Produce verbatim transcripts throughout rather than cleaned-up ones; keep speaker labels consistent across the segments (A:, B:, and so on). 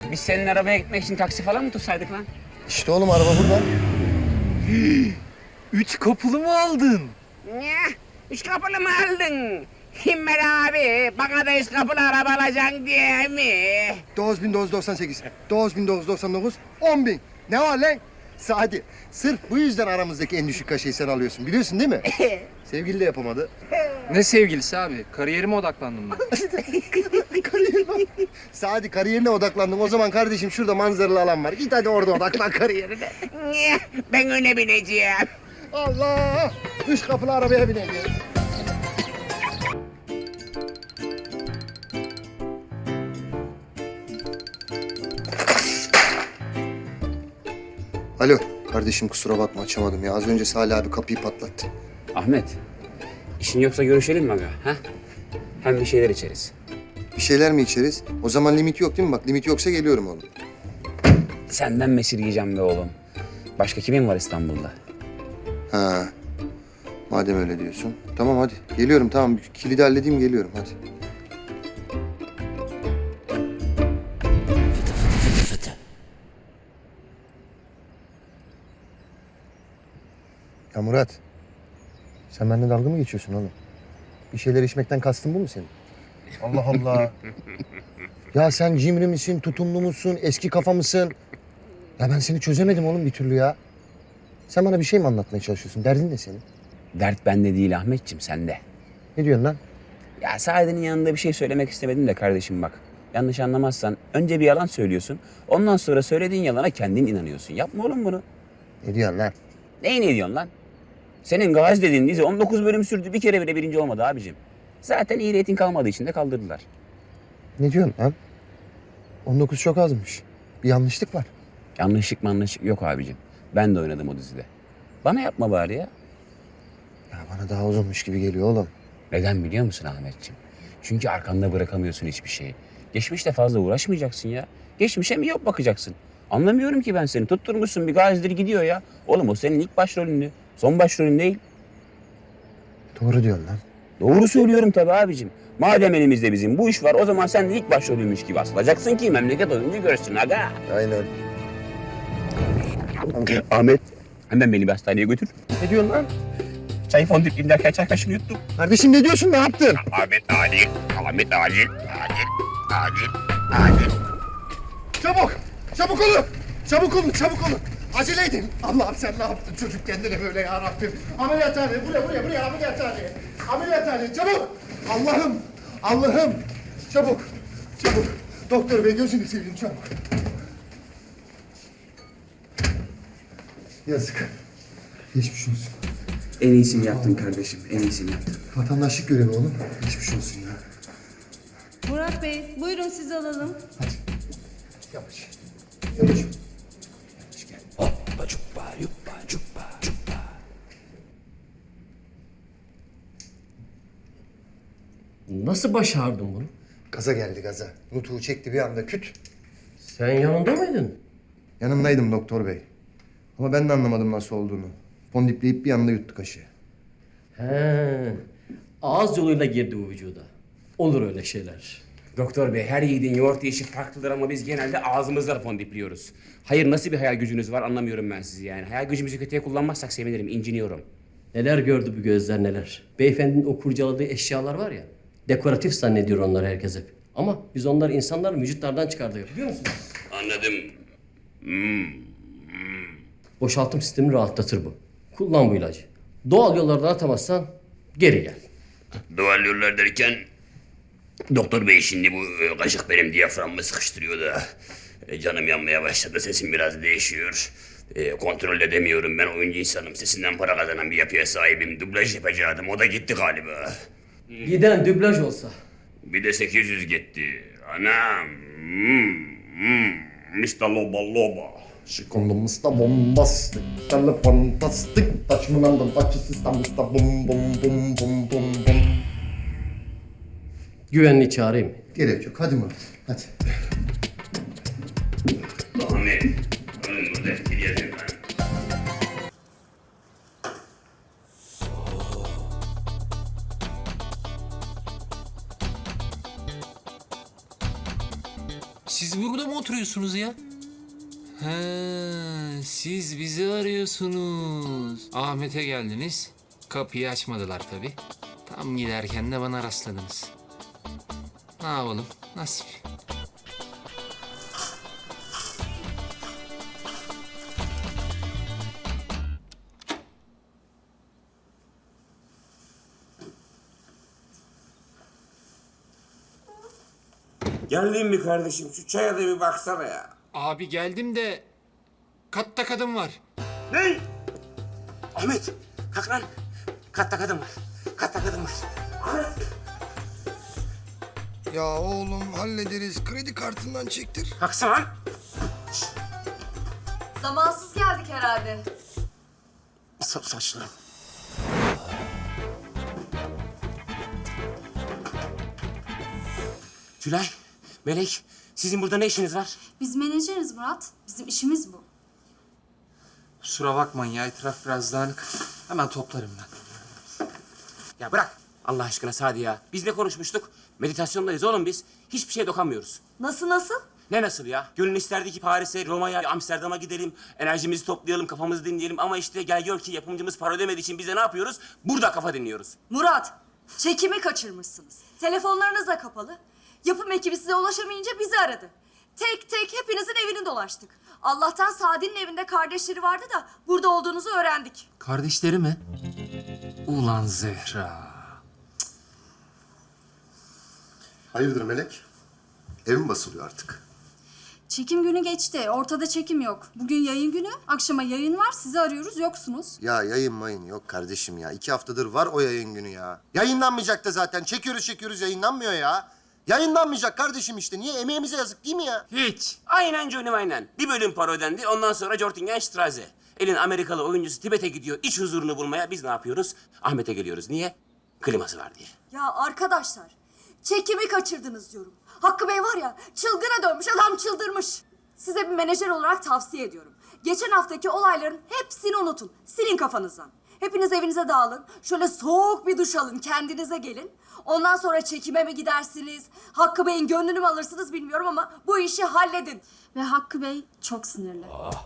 A: Biz senin arabaya gitmek için taksi falan mı tutsaydık lan?
B: İşte oğlum araba burada.
C: Üç kapılı mı aldın?
A: Ne? Üç kapılı mı aldın? Himmel abi, bana da üç kapılı araba alacaksın diye mi?
B: dokuz bin dokuz yüz doksan sekiz, dokuz bin dokuz yüz doksan dokuz, on bin. Ne var lan? Sadi, sırf bu yüzden aramızdaki en düşük kaşeyi sen alıyorsun. Biliyorsun değil mi? Sevgili de yapamadı.
C: Ne sevgilisi abi? Kariyerime odaklandım ben.
B: Kariyerine. Sadi kariyerine odaklandım. O zaman kardeşim şurada manzaralı alan var. Git hadi orada odaklan kariyerine.
A: Niye? Ben öne bineceğim.
B: Allah! Üç kapılı arabaya bineceğiz. Alo, kardeşim kusura bakma açamadım ya. Az önce Salih abi kapıyı patlattı.
A: Ahmet, işin yoksa görüşelim mi aga? Ha? Hem bir şeyler içeriz.
B: Bir şeyler mi içeriz? O zaman limit yok değil mi? Bak limit yoksa geliyorum oğlum.
A: Senden mesir yiyeceğim be oğlum. Başka kimin var İstanbul'da?
B: Ha. Madem öyle diyorsun. Tamam hadi. Geliyorum tamam. Kilidi halledeyim geliyorum hadi. Ya Murat. Sen benimle dalga mı geçiyorsun oğlum? Bir şeyler içmekten kastın bu mu senin? Allah Allah. Ya sen cimri misin, tutumlu musun, eski kafa mısın? Ya ben seni çözemedim oğlum bir türlü ya. Sen bana bir şey mi anlatmaya çalışıyorsun? Derdin ne senin?
A: Dert bende değil Ahmetciğim, sende.
B: Ne diyorsun lan?
A: Ya Saadet'in yanında bir şey söylemek istemedim de kardeşim bak. Yanlış anlamazsan önce bir yalan söylüyorsun. Ondan sonra söylediğin yalana kendin inanıyorsun. Yapma oğlum bunu.
B: Ne diyorsun lan?
A: Neyi ne diyorsun lan? Senin Gazi dediğin dizi on dokuz bölüm sürdü. Bir kere bile birinci olmadı abicim. Zaten iyi reyting kalmadığı için de kaldırdılar.
B: Ne diyorsun lan? on dokuz çok azmış. Bir yanlışlık var.
A: Yanlışlık manlışlık yok abicim. Ben de oynadım o dizide. Bana yapma bari ya.
B: Ya bana daha uzunmuş gibi geliyor oğlum.
A: Neden biliyor musun Ahmetciğim? Çünkü arkanda bırakamıyorsun hiçbir şeyi. Geçmişte fazla uğraşmayacaksın ya. Geçmişe mi yok bakacaksın? Anlamıyorum ki ben seni. Tutturmuşsun bir Gazi'dir gidiyor ya. Oğlum o senin ilk başrolündü. Son başrolün değil.
B: Doğru diyorsun lan.
A: Doğru söylüyorum tabii abicim. Madem elimizde bizim bu iş var o zaman sen de ilk başrolüymüş gibi asılacaksın ki memleket oyuncu görsün aga.
B: Aynen.
A: Ahmet hemen beni bir hastaneye götür.
B: Ne diyorsun lan?
A: Çay fondip derken çay kaşığını yuttum.
B: Kardeşim ne diyorsun? Ne yaptın?
A: Ahmet acil. Ahmet acil. Acil. Acil. Acil.
B: Çabuk! Çabuk olun! Çabuk olun, çabuk olun! Acele edin! Allah'ım sen ne yaptın çocuk kendine böyle ya Rabbim? Ameliyathane, buraya, buraya, buraya ameliyathane! Ameliyathane, çabuk! Allah'ım! Allah'ım! Çabuk! Çabuk! Doktor bey gözünü seveyim çabuk! Yazık. Geçmiş olsun.
A: En iyisini yaptın kardeşim. En iyisini yaptın.
B: Vatandaşlık görevi oğlum. Geçmiş olsun ya.
D: Murat Bey, buyurun sizi alalım.
B: Hadi. Yavaş. Yavaş. Yavaş gel.
A: Hoppa çuppa yuppa çuppa çuppa.
E: Nasıl başardın bunu?
B: Gaza geldi gaza. Nutuğu çekti bir anda küt.
E: Sen yanında mıydın?
B: Yanındaydım doktor bey. Ama ben de anlamadım nasıl olduğunu. Fondipleyip bir anda yuttu kaşığı.
E: He. Ağız yoluyla girdi bu vücuda. Olur öyle şeyler.
A: Doktor bey her yiğidin yoğurt yiyişi farklıdır ama biz genelde ağzımızla fondipliyoruz. Hayır nasıl bir hayal gücünüz var anlamıyorum ben sizi yani. Hayal gücümüzü kötüye kullanmazsak sevinirim, inciniyorum.
E: Neler gördü bu gözler neler. Beyefendinin o kurcaladığı eşyalar var ya. Dekoratif zannediyor onlar herkes hep. Ama biz onları insanlar vücutlardan çıkardık biliyor musunuz?
A: Anladım.
E: Boşaltım sistemini rahatlatır bu. Kullan bu ilacı. Doğal yollardan atamazsan geri gel.
F: Doğal yollar derken doktor bey şimdi bu e, kaşık benim diyaframımı sıkıştırıyor da e, canım yanmaya başladı, sesim biraz değişiyor. E, kontrol edemiyorum, ben oyuncu insanım, sesinden para kazanan bir yapıya sahibim, dublaj yapacaktım, o da gitti galiba.
E: Giden dublaj olsa.
F: Bir de sekiz yüz gitti, anam. Hmm, hmm, mister Loba Loba.
B: Şikondomuzda bombastik, talı fantastik, taşmınandım taçı sistemimizde bum bum bum bum bum bum.
E: Güvenliği çağırayım mı?
B: Gerek yok, hadi Murat, hadi.
F: Ahmet, önüm bu defteri yazayım ben.
C: Siz burada mı oturuyorsunuz ya? He, siz bizi arıyorsunuz. Ahmet'e geldiniz. Kapıyı açmadılar tabii. Tam giderken de bana rastladınız. Ne yapalım? Nasip.
A: Geldin mi kardeşim? Şu çaya da bir baksana ya.
C: Abi geldim de katta kadın var.
A: Ne? Ahmet, kalk lan. Katta kadın var. Katta kadın var. Ahmet.
G: Ya oğlum hallederiz. Kredi kartından çektir.
A: Kalksana lan.
D: Zamansız geldik herhalde.
A: Sa saçlı. Tülay, Melek, sizin burada ne işiniz var?
D: Biz menajeriz Murat. Bizim işimiz bu.
C: Kusura bakmayın ya, etraf biraz dağınık. Hemen toplarım ben.
A: Ya bırak Allah aşkına Sadi ya. Biz ne konuşmuştuk? Meditasyondayız oğlum biz. Hiçbir şeye dokunmuyoruz.
D: Nasıl nasıl?
A: Ne nasıl ya? Gönül isterdi ki Paris'e, Roma'ya, Amsterdam'a gidelim. Enerjimizi toplayalım, kafamızı dinleyelim. Ama işte gel gör ki yapımcımız para ödemediği için biz de ne yapıyoruz? Burada kafa dinliyoruz.
H: Murat, çekimi kaçırmışsınız. Telefonlarınız da kapalı. Yapım ekibi size ulaşamayınca bizi aradı. Tek tek hepinizin evini dolaştık. Allah'tan Sadi'nin evinde kardeşleri vardı da burada olduğunuzu öğrendik.
C: Kardeşleri mi? Ulan Zehra.
B: Hayırdır Melek? Ev mi basılıyor artık?
H: Çekim günü geçti. Ortada çekim yok. Bugün yayın günü. Akşama yayın var. Sizi arıyoruz. Yoksunuz.
B: Ya yayın mayın yok kardeşim ya. İki haftadır var o yayın günü ya. Yayınlanmayacak da zaten. Çekiyoruz çekiyoruz yayınlanmıyor ya. Yayınlanmayacak kardeşim işte. Niye? Emeğimize yazık değil mi ya?
A: Hiç. Aynen canım aynen. Bir bölüm para ödendi. Ondan sonra Jortingen-Strasse. Elin Amerikalı oyuncusu Tibet'e gidiyor iç huzurunu bulmaya. Biz ne yapıyoruz? Ahmet'e geliyoruz. Niye? Kliması var diye.
H: Ya arkadaşlar, çekimi kaçırdınız diyorum. Hakkı Bey var ya, çılgına dönmüş, adam çıldırmış. Size bir menajer olarak tavsiye ediyorum. Geçen haftaki olayların hepsini unutun. Silin kafanızdan. Hepiniz evinize dağılın. Şöyle soğuk bir duş alın, kendinize gelin. Ondan sonra çekime mi gidersiniz? Hakkı Bey'in gönlünü mü alırsınız bilmiyorum ama bu işi halledin.
D: Ve Hakkı Bey çok sinirli.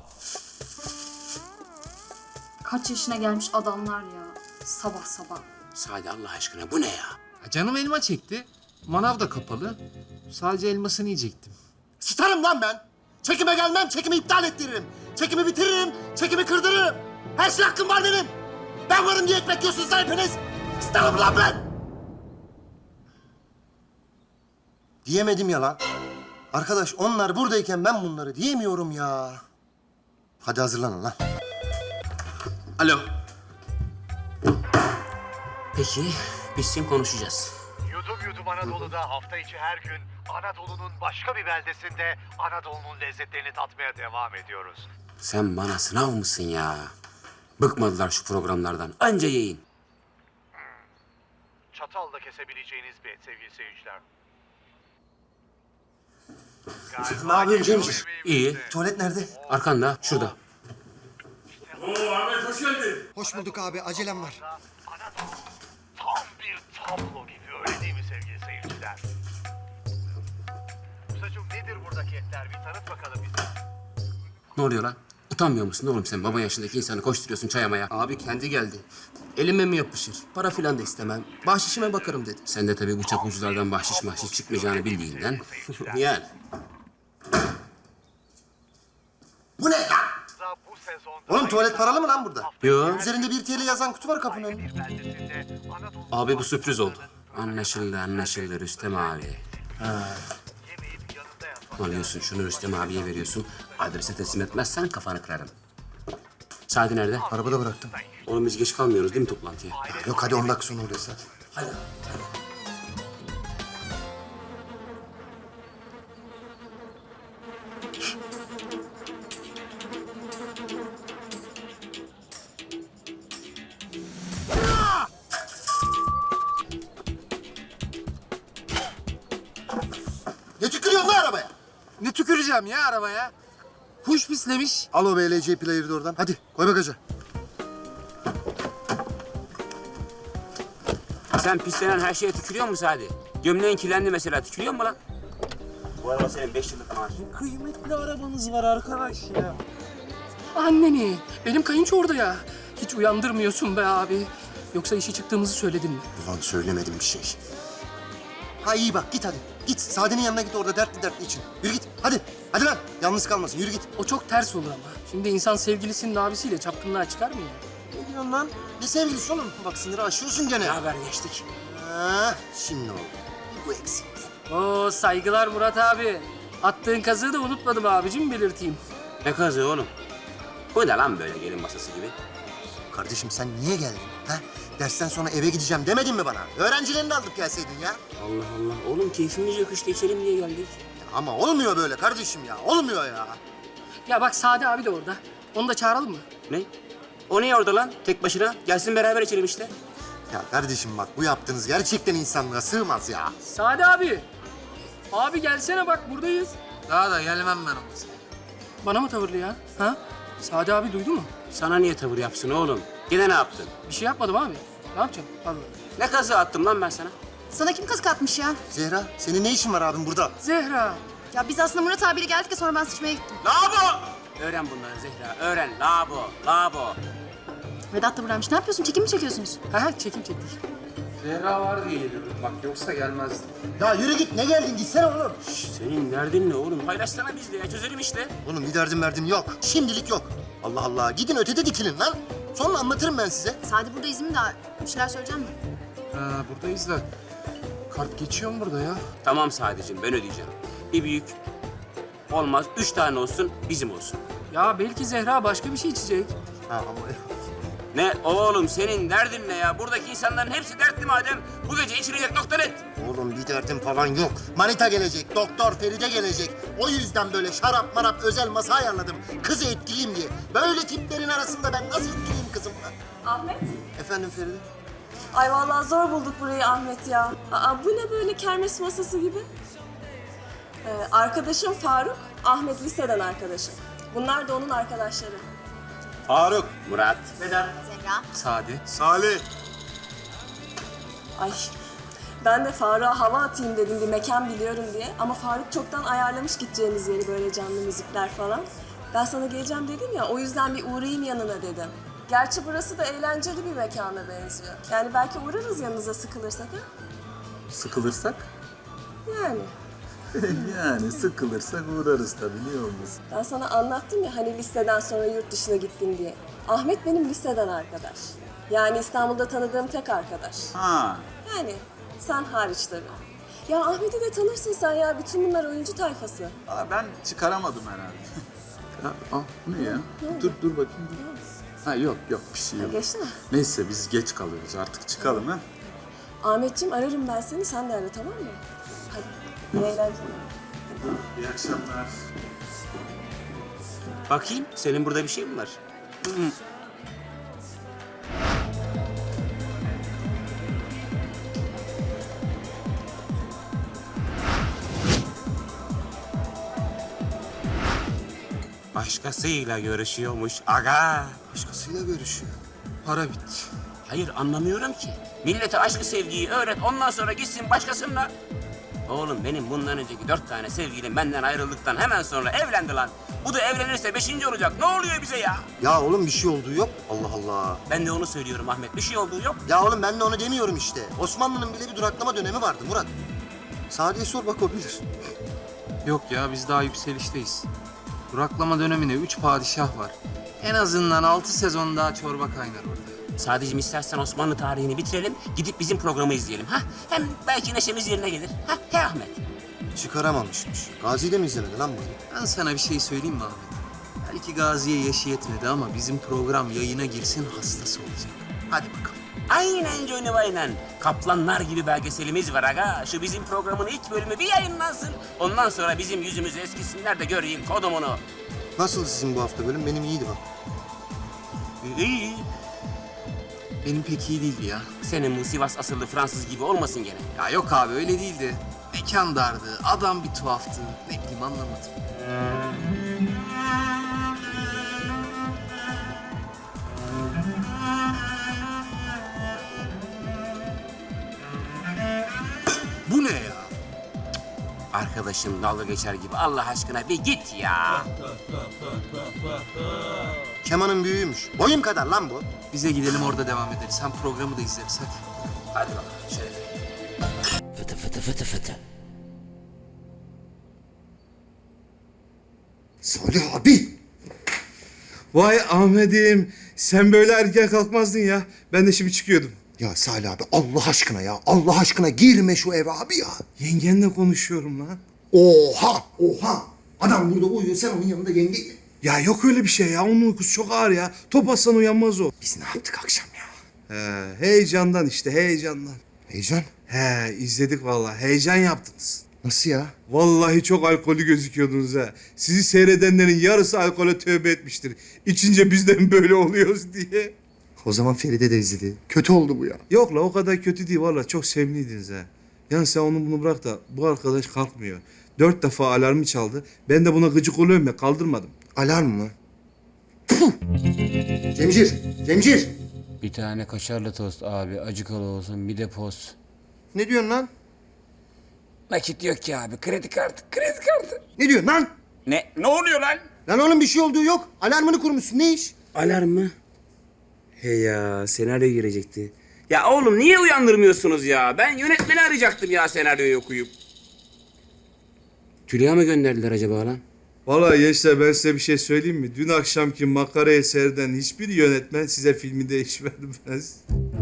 D: Kaç yaşına gelmiş adamlar ya. Sabah sabah.
A: Sadi Allah aşkına bu ne ya?
C: Ya canım elma çekti. Manav da kapalı. Sadece elmasını yiyecektim.
B: Sıtarım lan ben. Çekime gelmem, çekimi iptal ettiririm. Çekimi bitiririm, çekimi kırdırırım. Her şey hakkım var benim. Ben varım diye ekmek yiyorsunuz lan hepiniz. Sıtarım lan ben. Diyemedim ya lan. Arkadaş onlar buradayken ben bunları diyemiyorum ya. Hadi hazırlanın lan.
A: Alo. Peki biz kim konuşacağız?
I: Yudum Yudum Anadolu'da hafta içi her gün Anadolu'nun başka bir beldesinde Anadolu'nun lezzetlerini tatmaya devam ediyoruz.
A: Sen bana sınav mısın ya? Bıkmadılar şu programlardan. Anca yayın.
I: Çatalla kesebileceğiniz bir et sevgili seyirciler.
B: Ne yapayım Cemcir?
A: İyi.
B: Tuvalet nerede?
A: Arkanda, şurada.
G: Hoş bulduk abi. Acelem var.
I: Anadolu tam bir tablo gibi, öyle değil mi sevgili seyirciler? Musacığım nedir buradaki etler? Bir tanıt bakalım bize.
A: Ne oluyor lan? Utanmıyor musun oğlum sen? Baba yaşındaki insanı koşturuyorsun çayamaya.
J: Abi kendi geldi. Elime mi yapışır? Para filan da istemem. Bahşişime bakarım dedi.
A: Sen de tabii bu çapulculardan bahşiş mahşiş çıkmayacağını bildiğinden. Yani.
B: Bu ne lan?
I: Bu sezonda
B: Oğlum tuvalet paralı mı lan burada?
A: Yo.
B: Üzerinde bir T L yazan kutu var kapının önünde.
I: bir beldesinde Anadolu
A: Abi bu sürpriz oldu. Anlaşıldı anlaşıldı Rüstem abi.
I: yemeyip yanında yatmak.
A: Alıyorsun şunu Rüstem abiye veriyorsun. Adrese teslim etmezsen kafanı kırarım. Sadi nerede?
B: Arabada bıraktım.
A: Oğlum biz geç kalmıyoruz değil mi toplantıya?
B: Yok hadi on dakika sonra orası hadi.
A: Hadi.
B: Ne tükürüyorsun lan arabaya?
C: Ne tüküreceğim ya arabaya? Kuş pislemiş.
B: Al o B L C player'ı da oradan. Hadi koy bagaja.
A: Sen pislenen her şeye tükürüyor musun Sadi? Gömleğin kirlendi mesela tükürüyor mu lan? Bu araba senin beş yıllık maaş.
J: Kıymetli arabanız var arkadaş ya.
K: Anneni. Benim kayınço orada ya. Hiç uyandırmıyorsun be abi. Yoksa işe çıktığımızı söyledin mi?
B: Ulan söylemedim bir şey. Ha iyi bak git hadi. Git Sade'nin yanına git orada dertli dertli için. Yürü git hadi. Hadi lan yalnız kalmasın yürü git.
K: O çok ters olur ama. Şimdi insan sevgilisinin abisiyle çapkınlığa çıkar mı ya?
B: Ne diyorsun lan? Ne sevgilisi oğlum? Bak sınırı aşıyorsun gene.
A: Haber geçtik.
B: Ha, şimdi oldu. Bu eksikti.
K: Oo saygılar Murat abi. Attığın kazığı da unutmadım abicim belirteyim.
A: Ne kazığı oğlum? Bu ne lan böyle gelin masası gibi?
B: Kardeşim sen niye geldin? Ha? Dersten sonra eve gideceğim demedin mi bana? Öğrencilerini aldık gelseydin ya.
A: Allah Allah. Oğlum keyfimiz yok işte içelim diye geldik.
B: Ama olmuyor böyle kardeşim ya. Olmuyor ya.
K: Ya bak Sade abi de orada. Onu da çağıralım mı?
A: Ne? O niye orada lan? Tek başına. Gelsin beraber içelim işte.
B: Ya kardeşim bak bu yaptığınız gerçekten insanlığa sığmaz ya.
K: Sade abi. Abi gelsene bak buradayız.
J: Daha da gelmem ben olmasın.
K: Bana mı tavırlı ya? Ha? Sade abi duydu mu?
A: Sana niye tavır yapsın oğlum? Gene ne yaptın?
K: Bir şey yapmadım abi. Ne yapacağım? Pardon.
A: Ne kazığı attım lan ben sana?
H: Sana kim kazık atmış ya?
B: Zehra senin ne işin var abim burada?
K: Zehra.
H: Ya biz aslında Murat abiyle geldik de sonra ben sıçmaya gittim.
A: Labo! Öğren bunları Zehra. Öğren. Labo. Labo.
H: Vedat da buradaymış. Ne yapıyorsun? Çekim mi çekiyorsunuz?
K: Ha ha çekim çektik.
J: Zehra var diye geliyorum. Bak yoksa gelmezdim.
B: Ya yürü git ne geldin gitsene oğlum.
A: Şş, senin derdin ne oğlum? Paylaşsana bizle ya. Çözelim işte.
B: Oğlum bir derdim verdim yok. Şimdilik yok. Allah Allah gidin ötede dikilin lan. Sonra anlatırım ben size.
H: Sade burada izin mi daha? Bir şeyler söyleyeceğim mi?
J: Ha, buradayız da kart geçiyor mu burada ya?
A: Tamam sadece ben ödeyeceğim. Bir büyük. Olmaz. Üç tane olsun. Bizim olsun.
K: Ya belki Zehra başka bir şey içecek.
B: Ha ama
A: Ne oğlum senin derdin ne ya? Buradaki insanların hepsi dertli madem. Bu gece içilecek nokta net.
B: oğlum bir derdim falan yok. Manita gelecek, doktor Feride gelecek. O yüzden böyle şarap marap özel masa ayarladım. Kızı etkileyeyim diye. Böyle tiplerin arasında ben nasıl etkileyeyim kızımla?
H: Ahmet?
B: Efendim Feride?
H: Ay vallahi zor bulduk burayı Ahmet ya. Aa, bu ne böyle kermes masası gibi? Ee, arkadaşım Faruk, Ahmet liseden arkadaşım. Bunlar da onun arkadaşları.
A: Faruk. Murat.
H: Zehra.
J: Sade.
B: Salih.
H: Ay ben de Faruk'a hava atayım dedim bir mekan biliyorum diye. Ama Faruk çoktan ayarlamış gideceğimiz yeri böyle canlı müzikler falan. Ben sana geleceğim dedim ya o yüzden bir uğrayayım yanına dedim. Gerçi burası da eğlenceli bir mekana benziyor. Yani belki uğrarız yanınıza sıkılırsak ha?
L: Sıkılırsak?
H: Yani.
L: Yani sıkılırsak uğrarız tabii, niye olmasın?
H: Ben sana anlattım ya hani liseden sonra yurt dışına gittim diye. Ahmet benim liseden arkadaş. Yani İstanbul'da tanıdığım tek arkadaş.
L: Ha.
H: Yani sen hariç tabii. Ya Ahmet'i de tanırsın sen ya. Bütün bunlar oyuncu tayfası.
L: Aa, ben çıkaramadım herhalde. Ha, aa, bu ne ya? Dur dur bakayım dur. Ha yok yok bir şey yok.
H: Geçti mi?
L: Neyse biz geç kalıyoruz artık çıkalım ha.
H: Ahmetciğim ararım ben seni. Sen de ara tamam mı? Hadi. İyi eğlenceler.
L: İyi akşamlar.
A: Bakayım senin burada bir şey mi var? Hı. Başkasıyla görüşüyormuş aga.
B: Başkasıyla görüşüyor.
J: Para bitti.
A: Hayır anlamıyorum ki. Millete aşkı sevgiyi öğret ondan sonra gitsin başkasınla. Oğlum benim bundan önceki dört tane sevgilim benden ayrıldıktan hemen sonra evlendi lan. Bu da evlenirse beşinci olacak. Ne oluyor bize ya?
B: Ya oğlum bir şey olduğu yok. Allah Allah.
A: Ben de onu söylüyorum Ahmet. Bir şey olduğu yok.
B: Ya oğlum ben de onu demiyorum işte. Osmanlı'nın bile bir duraklama dönemi vardı Murat. Sade'ye sor bak o bilir.
J: Yok ya biz daha yükselişteyiz. Duraklama dönemine üç padişah var. En azından altı sezon daha çorba kaynar orada.
A: Sadece istersen Osmanlı tarihini bitirelim. Gidip bizim programı izleyelim. Ha? Hem belki neşemiz yerine gelir. Ha? He Ahmet.
B: Çıkaramamışmış. Gazi de mi izlemedi lan bu herif?
J: Ben sana bir şey söyleyeyim mi Ahmet? Belki Gazi'ye yaşı yetmedi ama bizim program yayına girsin hastası olacak. Hadi bakalım.
A: Aynen Johnny aynen. Kaplanlar gibi belgeselimiz var aga. Şu bizim programın ilk bölümü bir yayınlansın. Ondan sonra bizim yüzümüzü eskisinler de göreyim kodumunu.
B: Nasıl sizin bu hafta bölüm? Benim iyiydi bak.
A: İyi.
J: Benim pek iyi değildi ya.
A: Senin bu Sivas asıllı Fransız gibi olmasın gene.
J: Ya yok abi öyle değildi. Mekan dardı, adam bir tuhaftı. Ne bileyim anlamadım. Bu ne ya?
A: arkadaşım dalga geçer gibi. Allah aşkına bir git ya.
B: Kemanın büyüğüymüş. Boyum kadar lan bu.
J: Bize gidelim orada devam ederiz. Hem programı da izleriz hadi.
A: Hadi bakalım Şeref.
E: Fıtı fıtı fıtı fıtı.
B: Salih abi.
M: Vay Ahmet'im, sen böyle erken kalkmazdın ya. Ben de şimdi çıkıyordum.
B: Ya Salih abi Allah aşkına ya. Allah aşkına girme şu eve abi ya.
M: Yengenle konuşuyorum lan.
B: Oha oha. Adam burada uyuyor sen onun yanında yenge.
M: Ya yok öyle bir şey ya. Onun uykusu çok ağır ya. Top atsan uyanmaz o.
B: Biz ne yaptık akşam ya?
M: He, heyecandan işte, heyecandan.
B: Heyecan.
M: He, izledik vallahi. Heyecan yaptınız.
B: Nasıl ya?
M: Vallahi çok alkollü gözüküyordunuz ha. Sizi seyredenlerin yarısı alkole tövbe etmiştir. İçince bizden böyle oluyoruz diye.
B: O zaman Feride de izledi. Kötü oldu bu ya.
M: Yok la o kadar kötü değil vallahi çok sevimliydiniz ha. Yani sen onu bunu bırak da bu arkadaş kalkmıyor. Dört defa alarmı çaldı. Ben de buna gıcık oluyorum ya kaldırmadım.
B: Alarm mı? Puh! Cemcir, Cemcir.
A: Bir tane kaşarlı tost abi. Acıkalı olsun bir de poz.
B: Ne diyorsun lan?
A: Nakit yok ki abi. Kredi kartı. Kredi kartı.
B: Ne diyorsun lan?
A: Ne? Ne oluyor lan?
B: Lan oğlum bir şey olduğu yok. Alarmını kurmuşsun. Ne iş?
A: Alarm mı? He ya senaryo girecekti. Ya oğlum niye uyandırmıyorsunuz ya? Ben yönetmeni arayacaktım ya senaryoyu okuyup. Tülya mı gönderdiler acaba lan?
M: Vallahi gençler ben size bir şey söyleyeyim mi? Dün akşamki makara eserden hiçbir yönetmen size filminde iş vermez.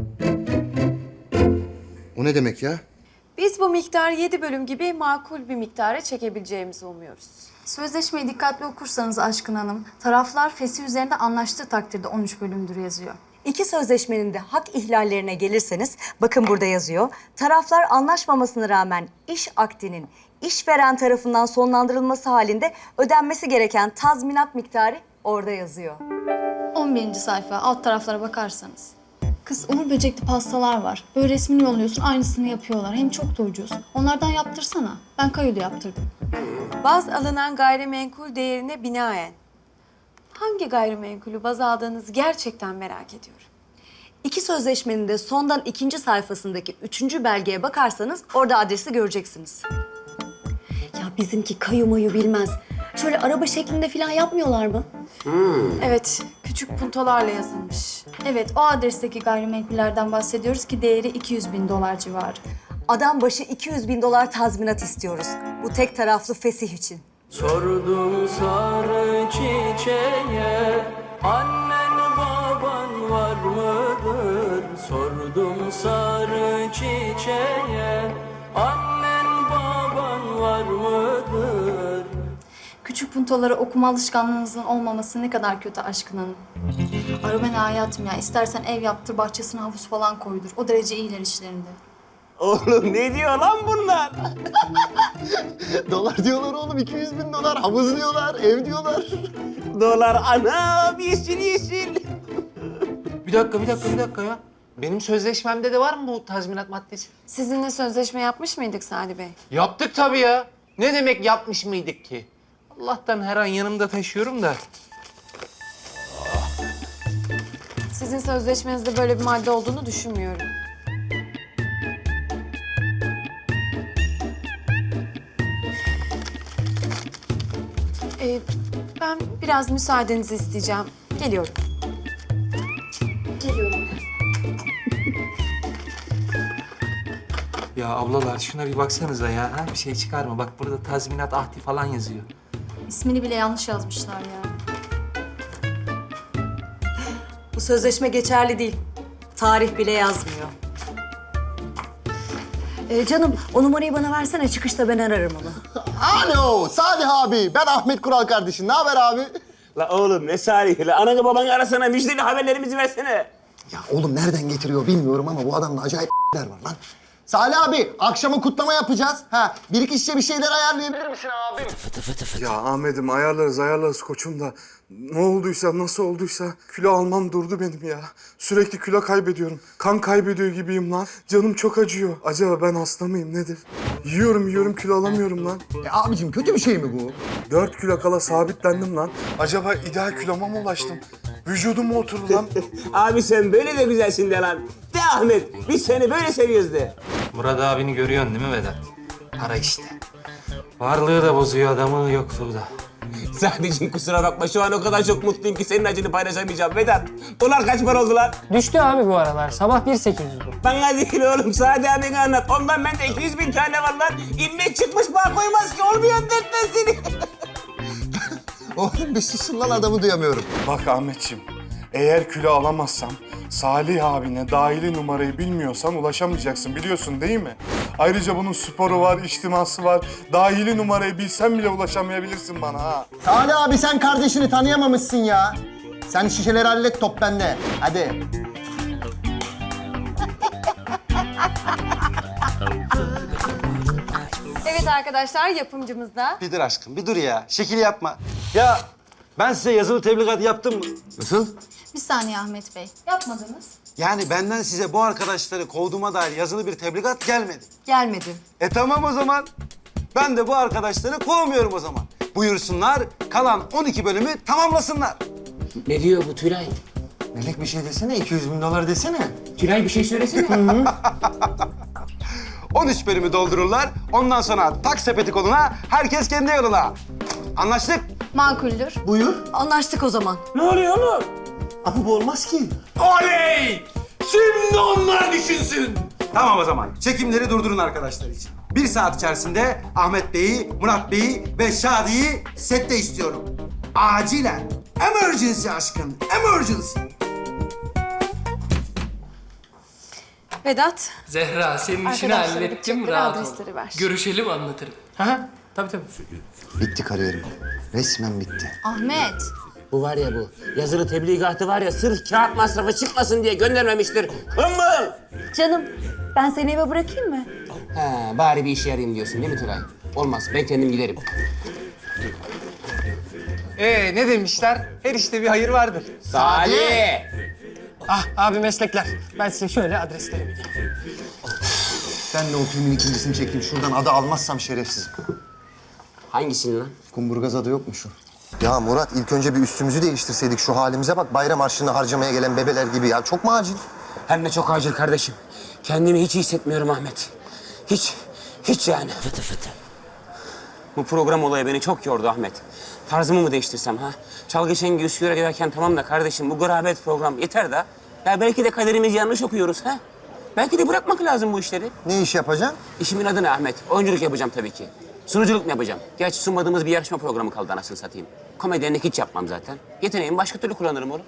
B: O ne demek ya?
H: Biz bu miktarı yedi bölüm gibi makul bir miktara çekebileceğimizi umuyoruz. Sözleşmeyi dikkatli okursanız Aşkın Hanım, taraflar fesih üzerinde anlaştığı takdirde on üç bölümdür yazıyor.
N: İki sözleşmenin de hak ihlallerine gelirseniz, bakın burada yazıyor. Taraflar anlaşmamasına rağmen iş akdinin işveren tarafından sonlandırılması halinde ödenmesi gereken tazminat miktarı orada yazıyor.
H: on birinci sayfa alt taraflara bakarsanız. Kız Uğur Böcekli pastalar var. Böyle resmini yolluyorsun aynısını yapıyorlar. Hem çok da ucuz. Onlardan yaptırsana. Ben Kayo'da yaptırdım.
N: Baz alınan gayrimenkul değerine binaen. Hangi gayrimenkulü baz aldığınızı gerçekten merak ediyorum. İki sözleşmenin de sondan ikinci sayfasındaki üçüncü belgeye bakarsanız orada adresi göreceksiniz. Ya bizimki kayu mayu bilmez. Şöyle araba şeklinde falan yapmıyorlar mı?
H: Evet, küçük puntolarla yazılmış. Evet, o adresteki gayrimenkullerden bahsediyoruz ki değeri iki yüz bin dolar civarı.
N: Adam başı iki yüz bin dolar tazminat istiyoruz. Bu tek taraflı fesih için.
O: Sordum sarı çiçeğe, annen baban var mıdır? Sordum sarı çiçeğe, annen baban var mıdır?
H: Küçük puntolara okuma alışkanlığınızın olmaması ne kadar kötü Aşkın Hanım. Ara ben hayatım ya. İstersen ev yaptır, bahçesine havuz falan koydur. O derece iyiler işlerinde.
A: Oğlum ne diyor lan bunlar?
B: Dolar diyorlar oğlum. iki yüz bin dolar. Havuz diyorlar. Ev diyorlar.
A: Dolar anam yeşil yeşil.
J: Bir dakika bir dakika bir dakika ya. Benim sözleşmemde de var mı bu tazminat maddesi?
H: Sizinle sözleşme yapmış mıydık Salih Bey?
J: Yaptık tabii ya. Ne demek yapmış mıydık ki? Allah'tan her an yanımda taşıyorum da.
H: Sizin sözleşmenizde böyle bir madde olduğunu düşünmüyorum. Ee, ben biraz müsaadenizi isteyeceğim. Geliyorum. Geliyorum.
J: Ya ablalar şuna bir baksanıza ya. Ha? Bir şey çıkar mı? Bak burada tazminat ahdi falan yazıyor.
H: İsmini bile yanlış yazmışlar ya.
N: Bu sözleşme geçerli değil. Tarih bile yazmıyor. Ee, canım o numarayı bana versene. Çıkışta ben ararım onu.
B: Alo Salih abi. Ben Ahmet Kural kardeşim. Ne haber abi?
A: La oğlum ne Salih la ananı babanı arasana müjdeli haberlerimizi versene.
B: Ya oğlum nereden getiriyor bilmiyorum ama bu adamda acayip var lan. Salih abi akşama kutlama yapacağız. Ha bir iki şişe bir şeyler ayarlayabilir misin abi?
M: Fıtı fıtı fıtı. Ya Ahmet'im ayarlarız ayarlarız koçum da ne olduysa nasıl olduysa kilo almam durdu benim ya. Sürekli kilo kaybediyorum. Kan kaybediyor gibiyim lan. Canım çok acıyor. Acaba ben hasta mıyım nedir? Yiyorum yiyorum kilo alamıyorum lan.
B: E abicim kötü bir şey mi bu?
M: Dört kilo kala sabitlendim lan. Acaba ideal kiloma mı ulaştım? Vücudum mu oturdu lan?
A: Abi sen böyle de güzelsin de lan. De Ahmet biz seni böyle seviyoruz de.
J: Murat abini görüyorsun değil mi Vedat? Para işte.
C: Varlığı da bozuyor adamı, yokluğu da.
A: Sadece kusura bakma şu an o kadar çok mutluyum ki senin acını paylaşamayacağım Vedat. Dolar kaç para oldu lan?
K: Düştü abi bu aralar. Sabah bir sekiz yüzdü.
A: Bana değil oğlum Sadi abine anlat. Ondan bende iki yüz bin tane var lan. İlmek çıkmış bağ koymaz ki olmuyor dertten seni.
B: Oğlum bir susun lan adamı duyamıyorum.
M: Bak Ahmetciğim, eğer kilo alamazsam Salih abine dahili numarayı bilmiyorsan ulaşamayacaksın biliyorsun değil mi? Ayrıca bunun sporu var, içtiması var. Dahili numarayı bilsen bile ulaşamayabilirsin bana ha.
B: Salih abi sen kardeşini tanıyamamışsın ya. Sen şişeleri hallet, top bende. Hadi.
N: Evet arkadaşlar, yapımcımız da.
P: Bir dur aşkım, bir dur ya. Şekil yapma. Ya ben size yazılı tebligat yaptım mı? Nasıl?
Q: Bir saniye Ahmet Bey. Yapmadınız.
P: Yani benden size bu arkadaşları kovduğuma dair yazılı bir tebligat gelmedi.
N: Gelmedi.
P: E tamam o zaman. Ben de bu arkadaşları kovmuyorum o zaman. Buyursunlar, kalan on iki bölümü tamamlasınlar.
A: Ne diyor bu Tülay?
P: Melek bir şey desene, iki yüz bin dolar desene.
A: Tülay bir şey söylesene.
P: on üç bölümü doldururlar, ondan sonra tak sepeti koluna, herkes kendi yoluna. Anlaştık?
Q: Makuldür.
P: Buyur.
N: Anlaştık o zaman.
A: Ne oluyor oğlum?
P: Ama bu olmaz ki.
C: Oley! Şimdi onlar düşünsün.
P: Tamam o zaman. Çekimleri durdurun arkadaşlar için. Bir saat içerisinde Ahmet Bey'i, Murat Bey'i ve Şadi'yi sette istiyorum. Acilen. Emergency aşkım. Emergency.
N: Vedat.
K: Zehra, senin işini
N: Arkadaşlara
K: hallettim,
N: gidecekleri
K: rahat ol.
N: adresleri ver.
K: Görüşelim, anlatırım. Ha, tabii tabii.
B: Bitti kariyerim. Resmen bitti.
Q: Ahmet.
A: Bu var ya bu. Yazılı tebligatı var ya sırf kağıt masrafı çıkmasın diye göndermemiştir. Hımbıl!
N: Canım, ben seni eve bırakayım mı?
A: Ha, bari bir işe yarayayım diyorsun değil mi Tülay? Olmaz, ben kendim giderim.
J: Ee ne demişler? Her işte bir hayır vardır.
A: Salih!
K: Ah abi meslekler. Ben size şöyle adresleri vereyim.
B: Ben de o filmin ikincisini çektim. Şuradan adı almazsam şerefsizim.
A: Hangisini lan?
B: Kumburgaz adı yok mu şu? Ya Murat ilk önce bir üstümüzü değiştirseydik. Şu halimize bak, bayram harçlığını harcamaya gelen bebeler gibi ya. Çok mu acil?
A: Hem de çok acil kardeşim. Kendimi hiç iyi hissetmiyorum Ahmet. Hiç, hiç yani. Fıtı fıtı. Bu program olayı beni çok yordu Ahmet. Tarzımı mı değiştirsem ha? Çalgı Şengi Üsküdar'a giderken tamam da kardeşim bu garabet program yeter de. Ya belki de kaderimizi yanlış okuyoruz ha? Belki de bırakmak lazım bu işleri.
B: Ne iş yapacaksın?
A: İşimin adı ne Ahmet? Oyunculuk yapacağım tabii ki. Sunuculuk mu yapacağım? Gerçi sunmadığımız bir yarışma programı kaldı anasını satayım. Komedyenlik hiç yapmam zaten. Yeteneğimi başka türlü kullanırım oğlum.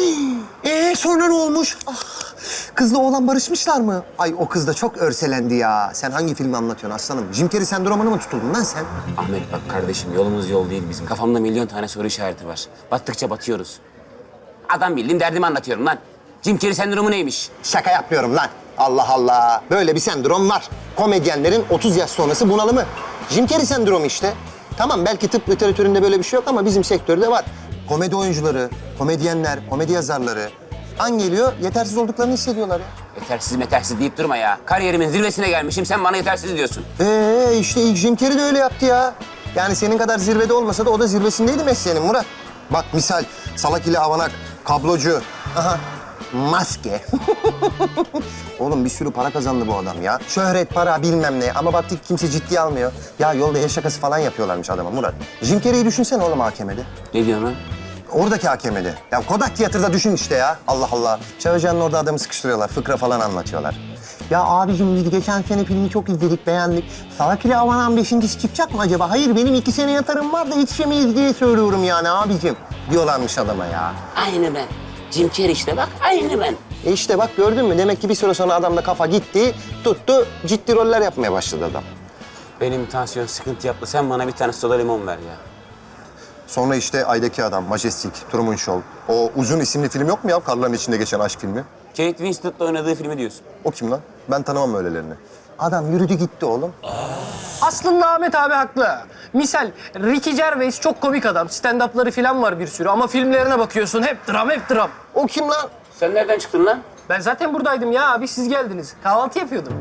B: Ee sonra ne olmuş? Ah, kızla oğlan barışmışlar mı? Ay o kız da çok örselendi ya. Sen hangi filmi anlatıyorsun aslanım? Jim Carrey sendromuna mı tutuldun lan sen?
A: Ahmet bak kardeşim yolumuz yol değil bizim. Kafamda milyon tane soru işareti var. Battıkça batıyoruz. Adam bildiğin derdimi anlatıyorum lan. Jim Carrey sendromu neymiş?
B: Şaka yapmıyorum lan. Allah Allah. Böyle bir sendrom var. Komedyenlerin otuz yaş sonrası bunalımı. Jim Carrey sendromu işte. Tamam belki tıp literatüründe böyle bir şey yok ama bizim sektörde var. Komedi oyuncuları, komedyenler, komedi yazarları an geliyor yetersiz olduklarını hissediyorlar ya.
A: Yetersiz metersiz deyip durma ya. Kariyerimin zirvesine gelmişim sen bana yetersiz diyorsun.
B: Ee işte ilk Jim Carrey de öyle yaptı ya. Yani senin kadar zirvede olmasa da o da zirvesindeydi mesleğinin Murat. Bak misal salak ile avanak, kablocu, aha maske. Oğlum bir sürü para kazandı bu adam ya. Şöhret, para bilmem ne ama baktık kimse ciddiye almıyor. Ya yolda el şakası falan yapıyorlarmış adama Murat. Jim Carrey'i düşünsene oğlum A K M'de.
A: Ne diyorsun lan?
B: Oradaki A K M'de. Ya Kodak Tiyatro'da düşün işte ya. Allah Allah. Çağırcan'ın orada adamı sıkıştırıyorlar. Fıkra falan anlatıyorlar. Ya abicim biz geçen sene filmi çok izledik, beğendik. Salak ile Avanan beşincisi çıkacak mı acaba? Hayır benim iki sene yatarım var da yetişemeyiz diye söylüyorum yani abicim. Diyorlarmış adama ya.
A: Aynı ben. Jim Carrey işte bak aynı ben.
B: E işte bak gördün mü? Demek ki bir süre sonra adamda kafa gitti, tuttu, ciddi roller yapmaya başladı adam.
A: Benim tansiyon sıkıntı yaptı. Sen bana bir tane soda limon ver ya.
B: Sonra işte Ay'daki Adam, Majestic, Truman Show. O Uzun isimli film yok mu ya? Karların içinde geçen aşk filmi.
A: Kate Winslet'la oynadığı filmi diyorsun.
B: O kim lan? Ben tanımam öylelerini. Adam yürüdü gitti oğlum.
K: Aslında Ahmet abi haklı. Misal Ricky Gervais çok komik adam. Stand-up'ları falan var bir sürü ama filmlerine bakıyorsun hep dram hep dram.
B: O kim lan?
A: Sen nereden çıktın lan?
K: Ben zaten buradaydım ya abi, siz geldiniz. Kahvaltı yapıyordum.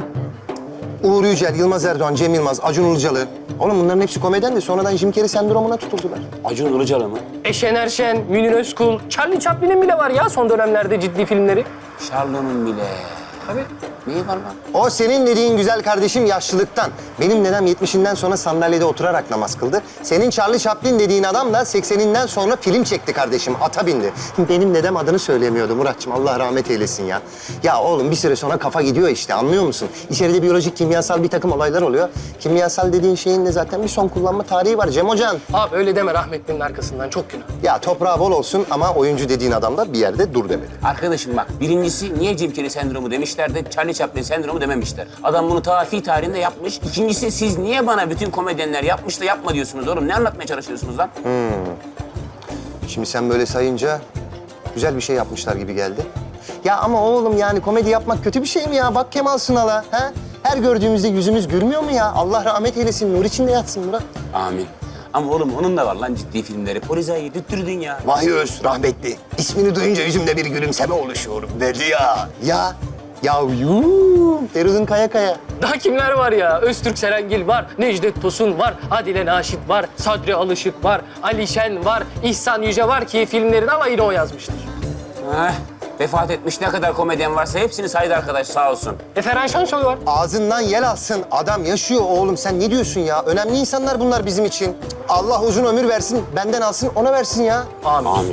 B: Uğur Yücel, Yılmaz Erdoğan, Cem Yılmaz, Acun Ilıcalı. Oğlum bunların hepsi komedyen de sonradan Jim Carrey sendromuna tutuldular.
A: Acun Ilıcalı mı?
K: E Şener Şen, Münir Özkul, Charlie Chaplin'in bile var ya son dönemlerde ciddi filmleri.
A: Charlo'nun bile.
K: Tabii.
A: Neyi var lan?
R: O senin dediğin güzel kardeşim yaşlılıktan. Benim dedem yetmişinden sonra sandalyede oturarak namaz kıldı. Senin Charlie Chaplin dediğin adam da sekseninden sonra film çekti kardeşim. Ata bindi. Benim dedem adını söyleyemiyordu Muratçım. Allah rahmet eylesin ya. Ya oğlum bir süre sonra kafa gidiyor işte, anlıyor musun? İçeride biyolojik, kimyasal bir takım olaylar oluyor. Kimyasal dediğin şeyin de zaten bir son kullanma tarihi var Cem Hocam.
K: Abi öyle deme rahmetlinin arkasından, çok günah.
R: Ya toprağı bol olsun ama oyuncu dediğin adam da bir yerde dur demedi.
A: Arkadaşım bak, birincisi niye Jim Carrey sendromu demişler de Charlie Chaplin sendromu dememişler. Adam bunu ta fi tarihinde yapmış. İkincisi siz niye bana bütün komedyenler yapmış da yapma diyorsunuz oğlum? Ne anlatmaya çalışıyorsunuz lan?
R: Hmm. Şimdi sen böyle sayınca güzel bir şey yapmışlar gibi geldi. Ya ama oğlum yani komedi yapmak kötü bir şey mi ya? Bak Kemal Sunal'a, ha? Her gördüğümüzde yüzümüz gülmüyor mu ya? Allah rahmet eylesin, nur içinde yatsın Murat.
A: Amin. Ama oğlum onun da var lan ciddi filmleri. Polizayı düttürdün ya.
R: Vay Öz, rahmetli. İsmini duyunca yüzümde bir gülümseme oluşuyor derdi ya. Ya, ya yuuu, Feridun Kaya Kaya.
K: Daha kimler var ya? Öztürk Serengil var, Necdet Tosun var, Adile Naşit var, Sadri Alışık var, Ali Şen var, İhsan Yüce var ki filmlerin alayını o yazmıştır.
A: Heh, vefat etmiş ne kadar komedyen varsa hepsini saydı arkadaş sağ olsun.
K: E Ferhan Şensoy var.
R: Ağzından yel alsın. Adam yaşıyor oğlum. Sen ne diyorsun ya? Önemli insanlar bunlar bizim için. Allah uzun ömür versin, benden alsın, ona versin ya.
A: Amin. Amin.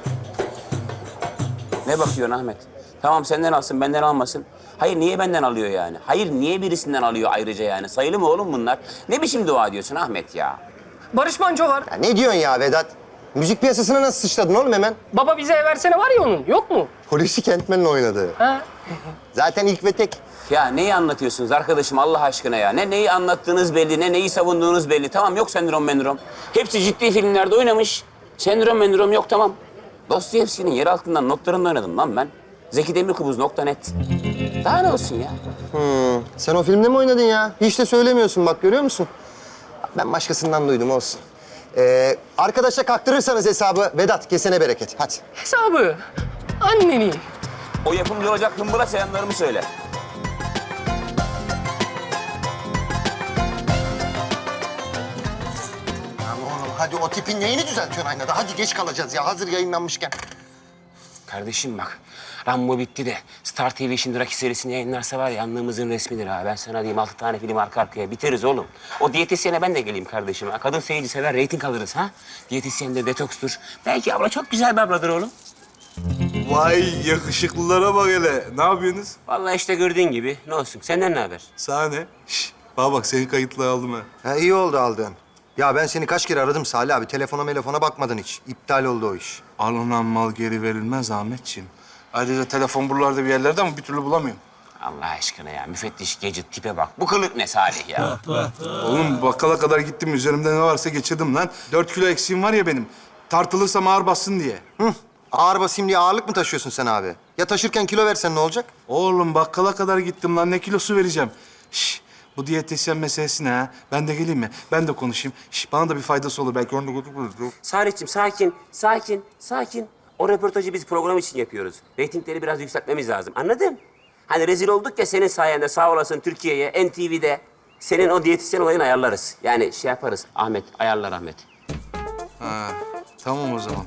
A: Ne bakıyorsun Ahmet? Tamam senden alsın, benden almasın. Hayır niye benden alıyor yani? Hayır niye birisinden alıyor ayrıca yani? Sayılı mı oğlum bunlar? Ne biçim dua ediyorsun Ahmet ya?
K: Barış Manço var.
R: Ya ne diyorsun ya Vedat? Müzik piyasasına nasıl sıçradın oğlum hemen?
K: Baba bize versene var ya onun, yok mu?
R: Hulusi Kentmen'le oynadı.
K: Ha?
R: Zaten ilk ve tek.
A: Ya neyi anlatıyorsunuz arkadaşım Allah aşkına ya? Ne neyi anlattığınız belli, ne neyi savunduğunuz belli. Tamam yok sendrom mendrom. Hepsi ciddi filmlerde oynamış. Sendrom mendrom yok tamam. Dostoyevski'nin yer altından notlarında oynadım lan ben. Zeki Demirkubuz nokta net. Daha ne olsun ya?
R: Hmm. Sen o filmde mi oynadın ya? Hiç de söylemiyorsun bak, görüyor musun? Ben başkasından duydum, olsun. Ee, arkadaşa kaktırırsanız hesabı Vedat kesene bereket. Hadi.
K: Hesabı. Anneni.
A: O yapımcı olacak hımbıra selamlarımı söyle.
R: Ya oğlum hadi o tipin neyini düzeltiyorsun aynada? Hadi geç kalacağız ya, hazır yayınlanmışken.
A: Kardeşim bak, Rambo bitti de Star T V şimdi Rocky serisini yayınlarsa var ya yanlığımızın resmidir ha. Ben sana diyeyim altı tane film arka arkaya biteriz oğlum. O diyetisyene ben de geleyim kardeşim ha. Kadın seyirci sever, reyting alırız ha. Diyetisyen de detokstur. Belki abla çok güzel bir abladır oğlum.
M: Vay yakışıklılara bak hele. Ne yapıyorsunuz?
A: Vallahi işte gördüğün gibi. Ne olsun? Senden ne haber?
M: Sahne. Şş, bana bak senin kayıtları aldım ha.
R: Ha iyi oldu aldın. Ya ben seni kaç kere aradım Salih abi. Telefona telefona bakmadın hiç. İptal oldu o iş.
M: Alınan mal geri verilmez Ahmetciğim. Ayrıca telefon buralarda bir yerlerde ama bir türlü bulamıyorum.
A: Allah aşkına ya. Müfettiş Gadget tipe bak. Bu kılık ne Salih ya?
M: Oğlum bakkala kadar gittim. Üzerimde ne varsa geçirdim lan. Dört kilo eksiğim var ya benim. Tartılırsam ağır bassın diye.
R: Hı. Ağır basayım diye ağırlık mı taşıyorsun sen abi? Ya taşırken kilo versen ne olacak?
M: Oğlum bakkala kadar gittim lan. Ne kilosu vereceğim? Şş, bu diyetisyen meselesi ne ha? Ben de geleyim mi? Ben de konuşayım. Şş, bana da bir faydası olur. Belki onu da götürürüz.
A: Salih'ciğim sakin, sakin, sakin. O röportajı biz program için yapıyoruz. Reytingleri biraz yükseltmemiz lazım. Anladın? Hani rezil olduk ya senin sayende sağ olasın Türkiye'ye, N T V'de. Senin o diyetisyen olayını ayarlarız. Yani şey yaparız. Ahmet, ayarlar Ahmet.
M: Ha, tamam o zaman.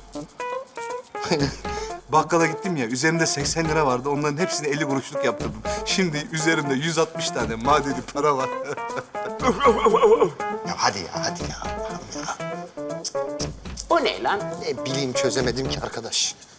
M: Bakkala gittim ya, üzerimde seksen lira vardı. Onların hepsini elli kuruşluk yaptırdım. Şimdi üzerimde yüz altmış tane madeni para var.
R: Ya hadi ya, hadi ya.
A: O ne lan?
R: Ne bileyim, çözemedim ki arkadaş.